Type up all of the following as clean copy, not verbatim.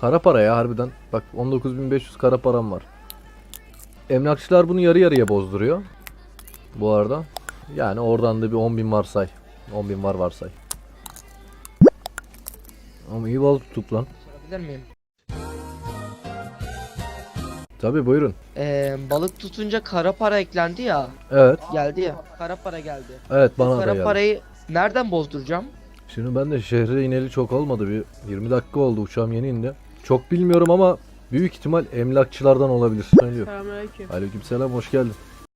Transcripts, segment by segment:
Kara para ya harbiden. Bak 19.500 kara param var. Emlakçılar bunu yarı yarıya bozduruyor. Bu arada. Yani oradan da bir 10.000 varsay. 10.000 var varsay. Ama iyi balık tuttuk lan. Sorabilir miyim? Tabi buyurun. Balık tutunca kara para eklendi ya. Evet. Geldi ya. Kara para geldi. Evet Bu bana da kara geldi. parayı nereden bozduracağım? Şimdi ben de şehre ineli çok olmadı. Bir 20 dakika oldu, uçağım yeni indi. Çok bilmiyorum ama büyük ihtimal emlakçılardan olabilir. Söylüyor. Selamünaleyküm. Aleykümselam, hoş geldin.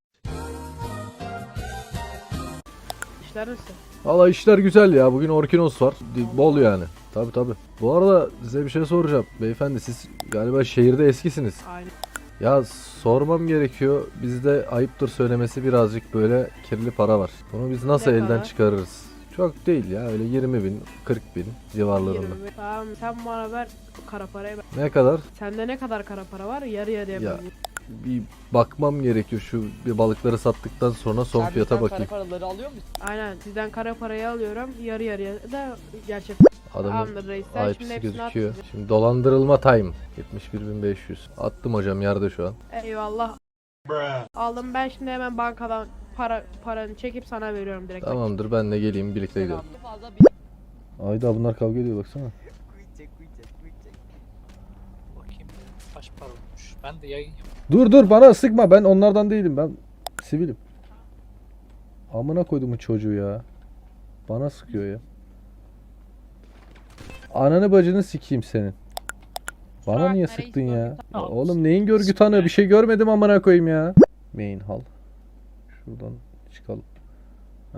İşler nasıl? Valla işler güzel ya. Bugün Orkinos var. Bol yani. Tabi. Bu arada size bir şey soracağım. Beyefendi siz galiba şehirde eskisiniz. Aynı. Ya sormam gerekiyor. Bizde ayıptır söylemesi birazcık böyle kirli para var. Bunu biz nasıl Ne elden kadar? çıkarırız? Çok değil ya, öyle 20.000, 40.000 civarlarında. 20. Tamam sen bana ver kara parayı. Ne kadar? Sende ne kadar kara para var? Yarı yarıya Ya, böleyim. bir bakmam gerekiyor, şu bir balıkları sattıktan sonra son Sen fiyata bizden bakayım. kara paraları alıyor musun? Aynen sizden kara parayı alıyorum. Yarı yarıya da gerçek. Adamın Tamamdır reis. Sen şimdi IP'si hepsini at. gözüküyor. bize. Şimdi dolandırılma time. 71.500. Attım hocam, yerde şu an. Eyvallah. Aldım ben şimdi hemen bankadan paranı çekip sana veriyorum direkt. Tamamdır, ben de geleyim, birlikte gidelim. Fazla bir... Ayda bunlar kavga ediyor, baksana. Bakayım kaç para olmuş. Ben de yayın yapıyorum. Dur bana sıkma, ben onlardan değilim, ben sivilim. Amına koyduğumun çocuğu ya. Bana sıkıyor ya. Ananı bacını sikeyim senin. Bana niye sıktın ya? Ya oğlum neyin görgü tanığı, bir şey görmedim amına koyayım ya. Main hal. Şuradan çıkalım. Heh.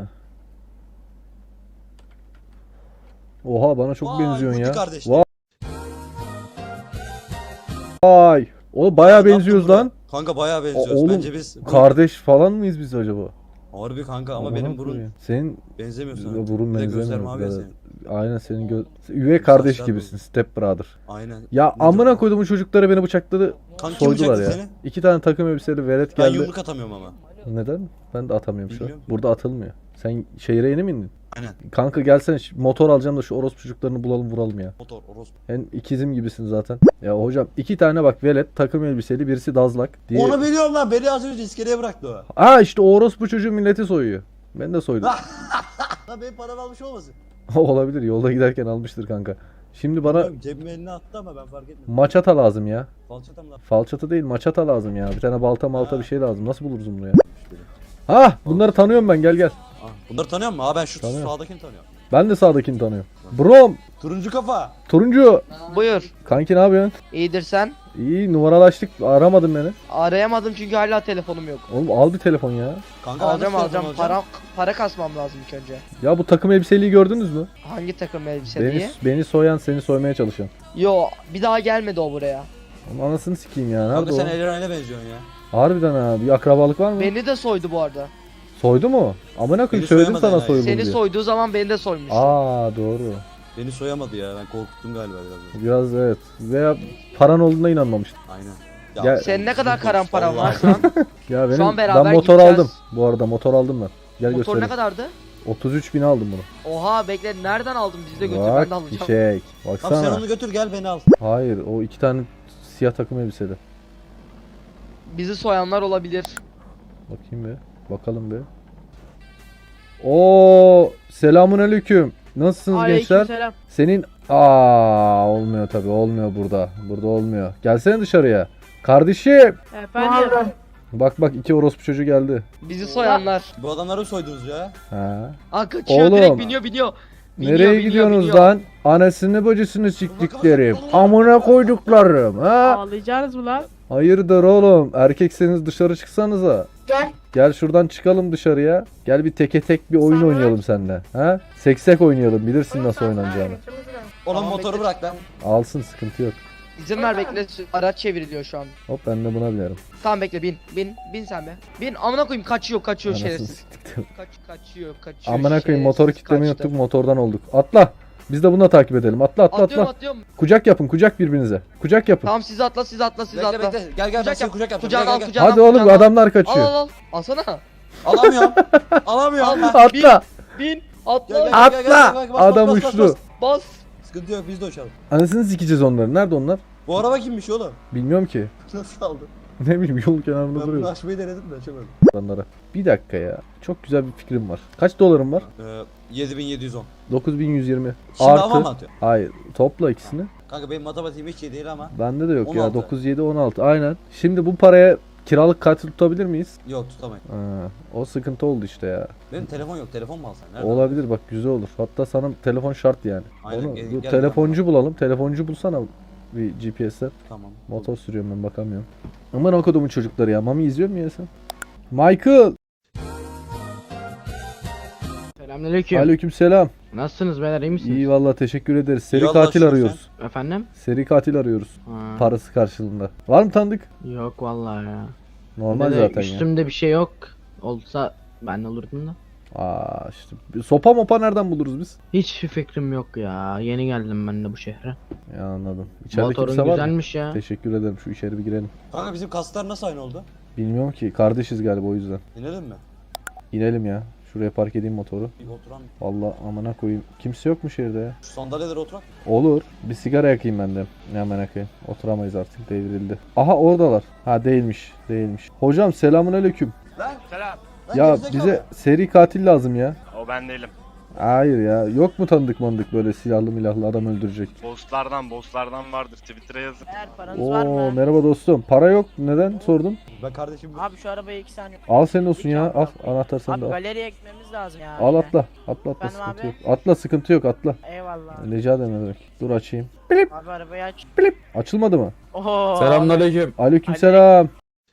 Oha bana çok benziyorsun ya. Vay. O bayağı benziyoruz lan. Kanka bayağı benziyoruz. Oğlum, Bence biz kardeş falan mıyız biz acaba? harbi kanka ama Amına benim burun koyayım. Senin benzemiyor sana. burun Bir de gözler benzemiyor. mavi ya Evet. senin. Aynen senin üvey kardeş Saçlar gibisin, step brother. Aynen. Ya Nedir amına o? koyduğum çocukları beni bıçakladı, Kanka kim soydular bıçakladı ya. seni? 2 tane takım elbiseli velet Ben geldi. yumruk atamıyorum ama. Neden? Ben de atamıyorum şu an. Bilmiyorum. Burada atılmıyor. Sen şehire yeni mi indin? Aynen. Kanka gelsene, motor alacağım da şu orospu çocuklarını bulalım vuralım ya. Motor, orospu. En ikizim gibisin zaten. Ya hocam 2 tane bak velet takım elbiseli, birisi dazlak. Diye... Onu biliyorum lan. Beni az önce iskeleye bıraktı o. Aa işte o orospu çocuğu milleti soyuyor. Ben de soydum. Lan benim paramı almış olmasın? Olabilir, yolda giderken almıştır kanka. Şimdi bana Bilmiyorum, cebime elini attı ama ben fark etmedim. maçata lazım ya. Falçata mı lan? Falçata değil, maçata lazım ya. Bir tane balta malta Ha. bir şey lazım. Nasıl buluruz bunu ya? Ha, bunları tanıyorum ben. Gel. Ah, bunları tanıyor musun? Aa ben şu Tanıyorum. sağdakini tanıyorum. Ben de sağdakini tanıyorum. Brom, Turuncu kafa. turuncu. Buyur. Kanki ne yapıyorsun? İyidir sen. İyi, numaralaştık. Aramadın beni. Arayamadım çünkü hala telefonum yok. Oğlum al bir telefon ya. Kanka ben Alacağım nasıl alacağım. telefon alacağım? Para kasmam lazım ilk önce. Ya bu takım elbiseliği gördünüz mü? Hangi takım elbise diye? Beni soyan, seni soymaya çalışan. Yo bir daha gelmedi o buraya. Onun anasını sikeyim ya. Kanka Nerede sen o? Elren'e benziyorsun ya. Harbiden ha. Bir akrabalık var mı? Beni de soydu bu arada. Soydu mu? Amına koyayım, Beni söyledim soyamadı sana yani. soyuldu Seni diye. soyduğu zaman beni de soymuş. Aa doğru. Beni soyamadı ya. Ben korkuttum galiba biraz. Biraz evet. Veya paran olduğuna inanmamıştım. Aynen. Ya- Senin ne kadar dur, karan paran var vallahi. şu an? Ya benim an beraber ben motor gideceğiz. aldım. Bu arada motor aldım ben. Gel Motor ne göstereyim. kadardı? 33.000 aldım bunu. Oha bekle nereden aldın bizi de götür ben Bak de alacağım. fişek. Tamam sen Baksana. onu götür gel beni al. Hayır, o 2 tane siyah takım elbiseli. Bizi soyanlar olabilir. Bakayım be. Bakalım be. Oo, selamun aleyküm. Nasılsınız gençler? Aleykümselam. Senin olmuyor tabi, olmuyor burada. Burada olmuyor. Gelsene dışarıya. Kardeşim. Efendim. Bak 2 orospu çocuğu geldi. Bizi soyanlar. Bu adamları mı soydunuz ya? Ha. Aa kaçıyor Oğlum. direkt biniyor. Biniyor, Nereye gidiyorsunuz biniyor. lan? Anasını bacısını siktiklerim. Amına koyduklarım ha. Ağlayacaksınız mı lan? Hayırdır oğlum? Erkekseniz dışarı çıksanıza. Gel şuradan çıkalım dışarıya. Gel bir teke tek bir oyun oynayalım seninle. Ha? Seksek oynayalım. Bilirsin nasıl oynanacağını. Onun Tamam, motoru bekle. bırak lan. Alsın, sıkıntı yok. İzin ver bekle araç çevriliyor şu an. Hop ben de buna binerim. Tamam bekle bin sen be. Bin amına koyayım kaçıyor Anasını şerefsiz. siktiktim. Kaçıyor. Amına koyayım, şerefsiz, motoru kitlemeyi kaçtı. unuttuk, motordan olduk. Atla. Biz de bununla takip edelim. Atla. Atlıyorum. Kucak yapın, kucak birbirinize. Kucak yapın. Tamam siz atla. Bekle bekle. Gel ben Kucak seni yap. kucak yapacağım. Kucak Gel, al gel, gel. kucak al. Hadi oğlum, kucak al. adamlar kaçıyor. Al. Alsana. Alamıyorum. Alamıyorum. Al. Ha. Atla. Bin. Gel, Atla. gel, gel, gel, gel, Atla. gel, bas, Adam bas, bas, uçtu. bas. Bas. Sıkıntı yok biz de uçalım. Anasını sikeceğiz onları. Nerede onlar? Bu araba kimmiş oğlum? Bilmiyorum ki. Nasıl aldın? Ne bileyim yol kenarında Ben bunu duruyor. açmayı denedim de açamadım. Onlara. Bir dakika ya. Çok güzel bir fikrim var. Kaç dolarım var? 7710. 9120. Şimdi hava mı Artı. atıyor? Hayır. Topla ikisini. Kanka benim matematiğim hiç iyi değil ama. Bende de yok ya. 16. 9, 7, 16. Aynen. Şimdi bu paraya kiralık katil tutabilir miyiz? Yok tutamayın. Ha, o sıkıntı oldu işte ya. Benim telefon yok. Telefon mu alsan? Nerede? Olabilir bak, güzel olur. Hatta sana telefon şart yani. Aynen, Onu, gel- dur, gel telefoncu bulalım. Telefoncu bulsana bir GPS'ten. Tamam. Motor sürüyorum ben, bakamıyorum. Aman okudumun çocukları ya. Mami izliyor mu ya sen? Michael! Selamünaleyküm. Aleykümselam. Nasılsınız beyler, iyi misiniz? İyi vallahi, teşekkür ederiz. Seri İyi, Allah katil şükür arıyoruz. Efendim? Seri katil arıyoruz. Ha, Parası karşılığında. Var mı tanıdık? Yok vallahi ya. Normal Bir de zaten ya. üstümde bir şey yok. Olsa ben olurdum da. Aa işte sopa mopa nereden buluruz biz? Hiçbir fikrim yok ya. Yeni geldim ben de bu şehre. Ya anladım. İçeride Motorun kimse var mı? güzelmiş ya. Teşekkür ederim. Şu içeri bir girelim. Kanka bizim kaslar nasıl aynı oldu? Bilmiyorum ki. Kardeşiz galiba, o yüzden. İnelim mi? İnelim ya. Şuraya park edeyim motoru. Bir oturan. Vallahi amına koyayım. Kimse yok mu şehirde ya? Şu sandalyelere oturak. Olur. Bir sigara yakayım ben de. Ne amına koyayım. Oturamayız artık. Devrildi. Aha oradalar. Ha değilmiş. Değilmiş. Hocam selamünaleyküm. Lan. Selam. Lan Ya gerizekalı. bize seri katil lazım ya. O ben değilim. Hayır ya. Yok mu tanıdık mandık böyle silahlı milahlı adam öldürecek? Bosslardan vardır. Twitter'a yazın. Eğer paranız var Oo mı? merhaba dostum. Para yok. Neden sordum? Ben kardeşim. Abi şu arabayı 2 saniye. Al senin olsun ya. Al. Anahtar Abi sende al. galeriye gitmemiz lazım ya. Al atla. Atla Efendim sıkıntı abi? yok. Atla sıkıntı yok atla. Eyvallah. Rica ederim ne demek. Dur açayım. Abi arabayı aç. Açılmadı mı? Oho. Selamünaleyküm. Aleykümselam.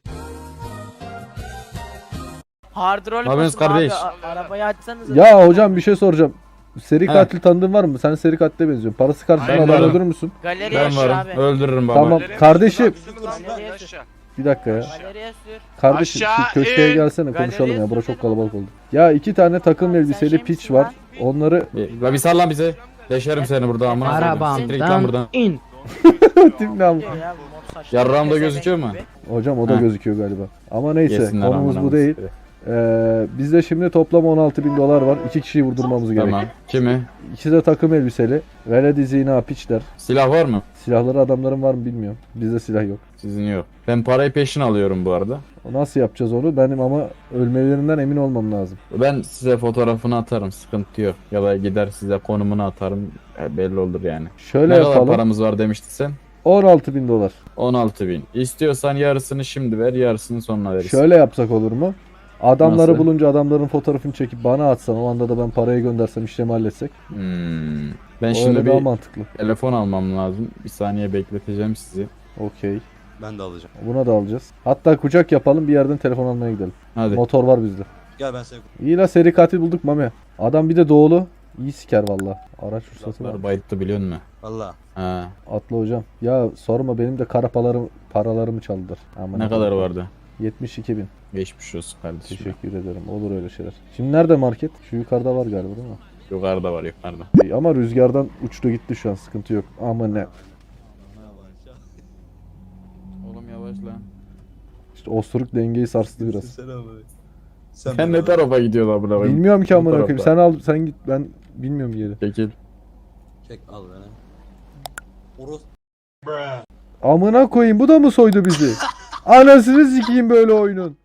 Hard roll Ne yapıyorsunuz basın abi, kardeş? arabayı açsanız. Ya hocam bir şey soracağım. Seri He. katil tanıdığın var mı? Sen seri katile benziyorsun. Parası karşılığında Ben adam varım. öldürür müsün? Galeriye Ben sür varım. abi. Öldürürüm baba. Tamam kardeşim. Galeriye sür. Bir dakika ya. Galeriye sür. Kardeşim şu Aşağı köşeye in. gelsene konuşalım ya. Galeriye Bura sür çok dedim. kalabalık oldu. Ya 2 tane takım Abi sen elbiseli şey piç misin var. lan? Onları La bir sal lan bize. Deşerim seni burada amına koyayım. Siktir git lan Arabamdan buradan. in. Tim ne ama? Diyor ya, bu mor saçlı Yarrağım da pezevenk gözüküyor mu? gibi. Hocam o da Ha. gözüküyor galiba. Ama neyse Yesinler konumuz amına bu değil. koyayım. Bizde şimdi toplam 16.000 dolar var. 2 kişiyi vurdurmamız gerek. Tamam. Kimi? İkisi de takım elbiseli. Veledi zina piçler. Silah var mı? Silahları adamların var mı bilmiyorum. Bizde silah yok. Sizin yok. Ben parayı peşin alıyorum bu arada. Nasıl yapacağız onu? Benim ama ölmelerinden emin olmam lazım. Ben size fotoğrafını atarım. Sıkıntı yok. Ya da gider size konumunu atarım. Belli olur yani. Şöyle Ne kadar yapalım. paramız var demiştin sen? 16.000 dolar. 16.000. İstiyorsan yarısını şimdi ver, yarısını sonra verirsin. Şöyle yapsak olur mu? Adamları Nasıl? bulunca adamların fotoğrafını çekip bana atsan, o anda da ben parayı göndersem, işlemi halletsek. Ben O şimdi öyle daha bir mantıklı. telefon almam lazım. Bir saniye bekleteceğim sizi. Okey. Ben de alacağım. Buna da alacağız. Hatta kucak yapalım, bir yerden telefon almaya gidelim. Hadi. Motor var bizde. Gel ben seni. İyi la, seri katil bulduk Mami. Adam bir de doğulu. İyi siker valla. Araç ruhsatı var. Uzaklar bayıttı biliyor musun? Valla. Ha. Atla hocam. Ya sorma, benim de paralarımı çaldılar. Aman Ne Allah'ım. kadar vardı? 72.000. Geçmiş olsun kardeşim. Teşekkür ederim. Olur öyle şeyler. Şimdi nerede market? Şu yukarıda var galiba değil mi? Yukarıda var yukarıda. İyi, ama rüzgardan uçtu gitti şu an, sıkıntı yok. Ama ne? Oğlum yavaş lan. İşte osuruk dengeyi sarstı biraz. Sen ne tarafa gidiyorsun amına koyayım? Bilmiyorum ki Bu amına koyayım. tarafta. Sen al, sen git, ben bilmiyorum yeri. Çekil. Çek al beni. Oruz. Amına koyayım, bu da mı soydu bizi? Anasını sikeyim böyle oyunun.